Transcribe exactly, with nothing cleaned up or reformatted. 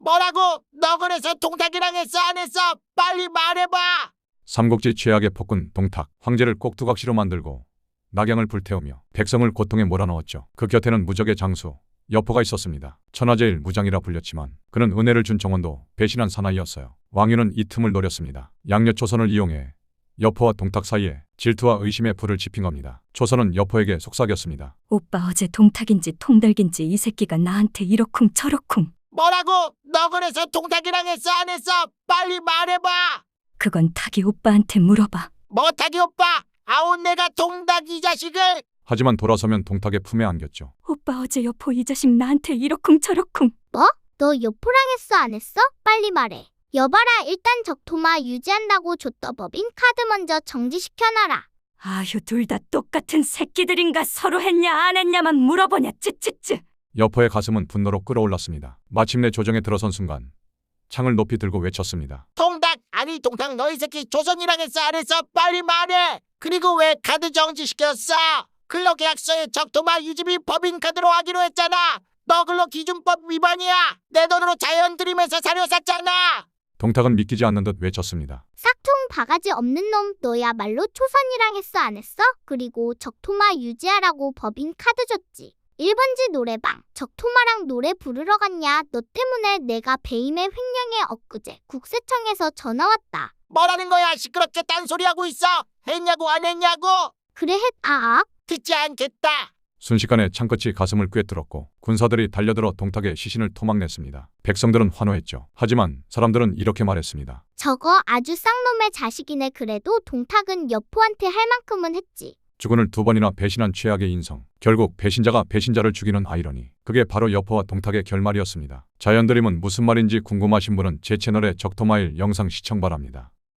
뭐라고? 너 그래서 동탁이랑 했어 안 했어? 빨리 말해봐. 삼국지 최악의 폭군 동탁, 황제를 꼭두각시로 만들고 낙양을 불태우며 백성을 고통에 몰아넣었죠. 그 곁에는 무적의 장수 여포가 있었습니다. 천하제일 무장이라 불렸지만 그는 은혜를 준 정원도 배신한 사나이였어요. 왕유는 이 틈을 노렸습니다. 양녀 초선을 이용해 여포와 동탁 사이에 질투와 의심의 불을 지핀 겁니다. 초선은 여포에게 속삭였습니다. 오빠 어제 동탁인지 통달긴지 이 새끼가 나한테 이러쿵 저러쿵. 뭐라고? 너 그래서 동탁이랑 했어 안 했어? 빨리 말해봐. 그건 탁이 오빠한테 물어봐. 뭐탁이 오빠? 아우 내가 동탁 이 자식을. 하지만 돌아서면 동탁의 품에 안겼죠. 오빠 어제 여포 이 자식 나한테 이러쿵 저러쿵. 뭐? 너 여포랑 했어 안 했어? 빨리 말해. 여봐라 일단 적토마 유지한다고 줬더 법인 카드 먼저 정지시켜놔라. 아휴 둘 다 똑같은 새끼들인가 서로 했냐 안 했냐만 물어보냐 찌찌찌. 여포의 가슴은 분노로 끓어올랐습니다. 마침내 조정에 들어선 순간 창을 높이 들고 외쳤습니다. 동탁 아니 동탁 너희 새끼 조선이랑 했어 안 했어? 빨리 말해. 그리고 왜 카드 정지시켰어? 근로계약서에 적토마 유지비 법인카드로 하기로 했잖아. 너 근로기준법 위반이야. 내 돈으로 자연 들이면서 사료 샀잖아. 동탁은 믿기지 않는 듯 외쳤습니다. 싹퉁 바가지 없는 놈 너야말로 초선이랑 했어 안 했어? 그리고 적토마 유지하라고 법인 카드 줬지. 일 번지 노래방 적토마랑 노래 부르러 갔냐? 너 때문에 내가 배임의 횡령에 엊그제 국세청에서 전화 왔다. 뭐라는 거야? 시끄럽게 딴소리하고 있어. 했냐고 안 했냐고? 그래 했 아. 듣지 않겠다. 순식간에 창끝이 가슴을 꿰뚫었고 군사들이 달려들어 동탁의 시신을 토막냈습니다. 백성들은 환호했죠. 하지만 사람들은 이렇게 말했습니다. 저거 아주 쌍놈의 자식이네. 그래도 동탁은 여포한테 할 만큼은 했지. 주군을 두 번이나 배신한 최악의 인성. 결국 배신자가 배신자를 죽이는 아이러니. 그게 바로 여포와 동탁의 결말이었습니다. 자연드림은 무슨 말인지 궁금하신 분은 제 채널의 적토마일 영상 시청 바랍니다.